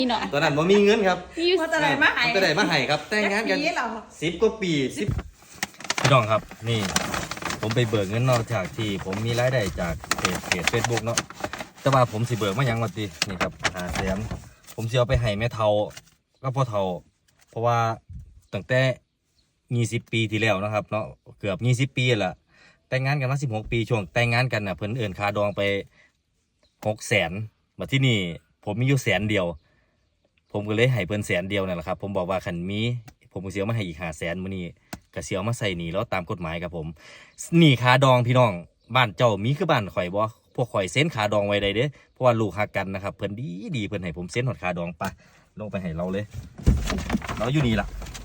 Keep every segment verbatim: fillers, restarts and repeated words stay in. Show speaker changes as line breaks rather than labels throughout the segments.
ตอนนั้นผมมีเงินครับ
ว่าจะได้มาให้
จะได้มาให้ครับแต่งงานกัน
ปีเหรอ
สิบกว่าปีสิบพี่น้องครับนี่ผมไปเบิกเงินนอกจากที่ผมมีรายได้จากเพจเพจเฟซบุ๊กเนาะแต่ว่าผมสิเบิกมายังวันตีนี่ครับหาแสนผมสิเอาไปให้แม่เฒ่าก็พ่อเฒ่าเพราะว่าตั้งแต่ยี่สิบปีที่แล้วนะครับเนาะเกือบยี่สิบปีแหละแต่งงานกันมาสิบหกปีช่วงแต่งงานกันน่ะเพิ่นเอิ้นค่าดองไปหกแสนมาที่นี่ผมมีอยู่แสนเดียวผมก็เลยให้เพิ่นแสนเดียวนั่นแหละครับผมบอกว่าคันมีผมก็สิเอามาให้อีกห้าแสนมื้อนี้ก็สิเอามาใส่หนี้แล้วตามกฎหมายครับผมหนี้ค่าดองพี่น้องบ้านเจ้ามีคือบ้านข่อยบ่พวกข่อยเซ็นค่าดองไว้ได้เด้เพราะว่าลูกฮักกันนะครับเพิ่นดีดีเพิ่นให้ผมเซ็นหอดค่าดองไปลงไปให้เราเลยเราอยู่นี่ล่ะ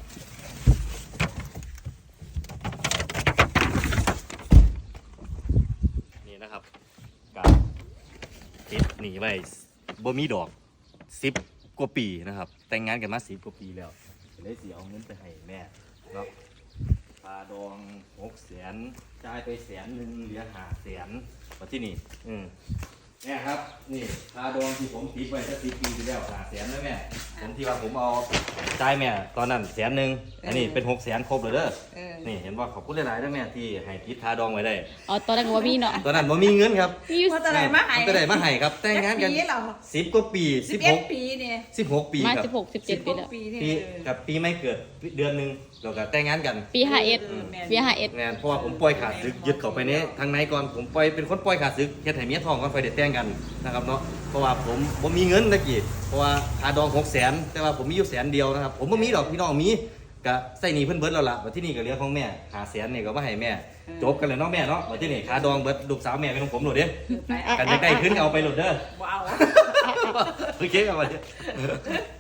นี่นะครับกับติดหนีไว้บ่มีดอกสิบกว่าปีนะครับแต่งงานกันมาสิบกว่าปีแล้วเลยสิเอาเงินไปให้แม่เนาะค่าดองหกแสนจ่ายไปแสนหนึ่งเหลือห้าแสนมาที่นี่อืมเนี่ยครับนี่ค่าดองที่ผมติดไว้ตั้งสิบปีที่แล้วห้าแสนแล้วแม่ผมที่ว่าผมเอาจ่ายแม่ตอนนั้นแสนหนึ่งอันนี้เป็นหกแสนครบเลยเด้อนี่เห็นว่าขอบคุณหลายๆด้วยแม่ที่ให้ติดค่าดองไว้ได้
อ๋อตอนนั้นก็ว่ามีเนาะ
ตอนนั้นผมมีเงินครับ
มีอยู่
ว่าจะได้มาให้
จะได้มาให้ครับแต่งงานกัน
ปีเหรอ
สิบกว่าปี
สิ
สิ
บบ เอ็
ห
ด
ก
ปีเนี่ย
สิบหกปี
มา
ครับ
สิบหกสิบเจ็ดปีแล้ว
ปีเนี่ย
ปีกับปีไม่เกิดเดือนหนึ่งเราก็แต่งงานกัน
ปีห้าเอ็ดปีห้าเอ็ด
งานเพราะว่าผมปล่อยขาดซึกยึดเข้าไปในทางในก่อนผมปล่อยเป็นคนปล่อยขาดซึกเฮ็ดให้เมียทองก่อนไฟเด็ดแต่งกันนะครับเนาะเพราะว่าผมผมมีเงินตะกี้เพราะว่าค่าดองหกแสนแต่ว่าผมมีอยู่แสนเดียวนะครับผมบ่มีดอกพี่น้องมีก็ใส่หนี้เพิ่นเบิดแล้วล่ะว่าที่นี่ก็เหลือของแม่หาแสนนี่ก็มาให้แม่จบกันเลยเนาะแม่เนาะว่าที่นี่ค่าดองเบิดลูกสาวแม่เป็นของผมโหลดเด้กันใกล้ๆขึ้นเอาไปโหลดเด้อ
ว้าว
โอเคครับมาเด้อ